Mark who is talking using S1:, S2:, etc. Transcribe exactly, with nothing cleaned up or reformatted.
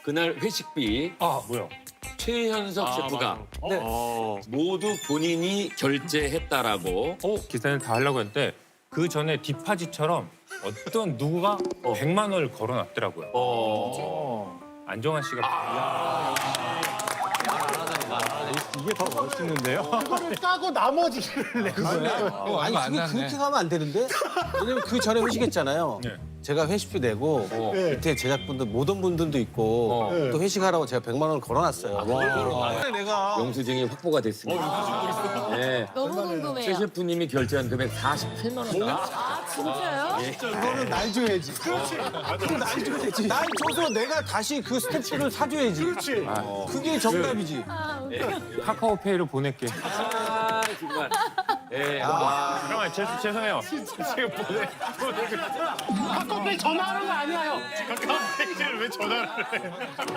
S1: 그날 회식비
S2: 아 뭐야?
S1: 최현석 셰프가
S2: 네.
S1: 모두 본인이 결제했다라고.
S2: 어 기사는 다 하려고 했는데 그 전에 디파지처럼 어떤 누구가 백만 원을 걸어놨더라고요.
S1: 어.
S2: 안정환 씨가
S3: 이게 더 멋있는데요?
S4: 그거를 까고 나머지를 내.
S5: 어, 아니 그게 그렇게 가면 안 되는데? 왜냐면 그 전에 회식했잖아요.
S2: 네.
S5: 제가 회식비 내고 밑에 제작분들 모든 분들도 있고 또 회식하라고 제가 백만 원을 걸어놨어요. 내가
S1: 영수증이 확보가 됐습니다. 네.
S6: 너무
S1: 최
S6: 궁금해요.
S1: 셰프님이 결제한 금액 사십팔만 원인가?
S6: 아, 진짜요?
S5: 이거는 날 줘야지. 그렇지. 그럼 날 줘야지. 날 줘서 내가 다시 그 스태프를 사줘야지. 그렇지. 그게 정답이지.
S6: 아, 웃겨.
S2: 카카오페이로 보낼게.
S1: 아, 정말. 예. 와.
S2: 잠깐만 죄, 죄송해요.
S4: 카카오페이 전화하는 거 아니야, 형.
S3: 카카오페이를 왜 전화를 해?